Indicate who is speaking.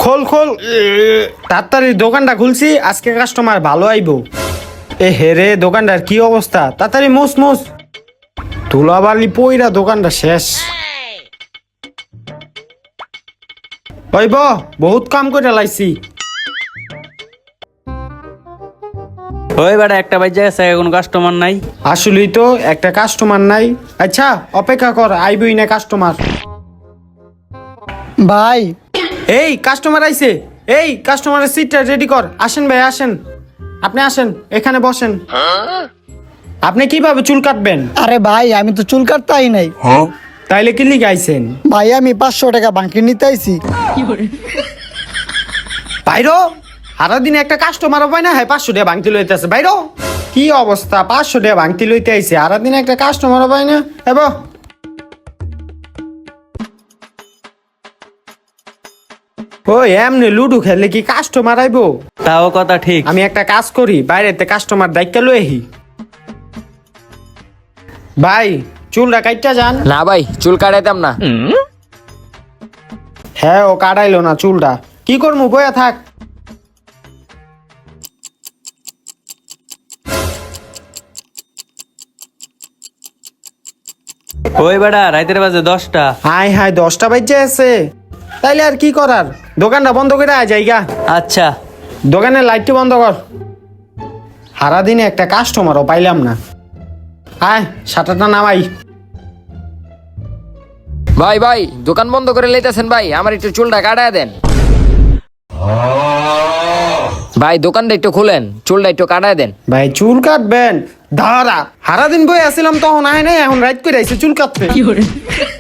Speaker 1: খোল খোল তাড়াতাড়ি দোকানটা খুলছি, আজকে কাস্টমার ভালো আইবো। এ হেরে দোকানটার কি অবস্থা, তাড়াতাড়ি মুস মুস। ধুলাবালি পইরা দোকানটা শেষ। ওই বহুত কাম করে লাইছি।
Speaker 2: ওই বেটা একটা বাজে গেছে, কোনো কাস্টমার নাই।
Speaker 1: আসলেই তো একটা কাস্টমার নাই। আচ্ছা অপেক্ষা কর, আইবই না কাস্টমার।
Speaker 3: ভাই
Speaker 1: এই কাস্টমার আইছে, এই কাস্টমারের সিটটা রেডি কর। আসেন ভাই আসেন, আপনি আসেন, এখানে বসেন। আপনি কিভাবে চুল কাটবেন?
Speaker 3: আরে ভাই আমি তো চুল কাটতাই নাই।
Speaker 1: তাইলে কি লিখে আইছেন?
Speaker 3: ভাই আমি 500 টাকা বাকি নিতে আইছি।
Speaker 1: বাইরো, সারাদিন একটা কাস্টমারও পায় না, হ্যাঁ 500 টাকা ভাঙতি লইতেছে। বাইরো, কি অবস্থা, 500 টাকা ভাঙতি লইতে আইছে, সারাদিন একটা কাস্টমারও পায় না। এব ওই এমনি লুডু খেললে কি কাস্টমার আইবো?
Speaker 2: তাও কথা ঠিক।
Speaker 1: আমি একটা কাজ করি, বাইরেতে কাস্টমার দায়িত্ব লই আহি। ভাই চুলটা কাটটা যান।
Speaker 4: না ভাই চুল কাটাইতাম না।
Speaker 1: হ্যাঁ ও কাটাইলো না চুলটা, কি করবো, বয়া থাক।
Speaker 2: ওই বেটা রাইতের বাজে 10টা।
Speaker 1: হাই হাই 10টা বাজে আছে, তাইলে আর কি করার, দোকানটা বন্ধ করে আয় যাইগা।
Speaker 2: আচ্ছা
Speaker 1: দোকানের লাইটটি বন্ধ কর, সারাদিনে একটা কাস্টমারও পাইলাম না। আয় শাটারটা নামাই।
Speaker 4: ভাই ভাই দোকান বন্ধ করে লইতেছেন ভাই, আমার একটু চুলটা কাটায় দেন। ভাই দোকানটা একটু খুলেন, চুলটা একটু কাটায় দেন।
Speaker 1: ভাই চুল কাটবেন? দাঁড়া, সারাদিন বই আসছিলাম তখন আয় নাই, এখন রাইট করে আইছে চুল কাটতে।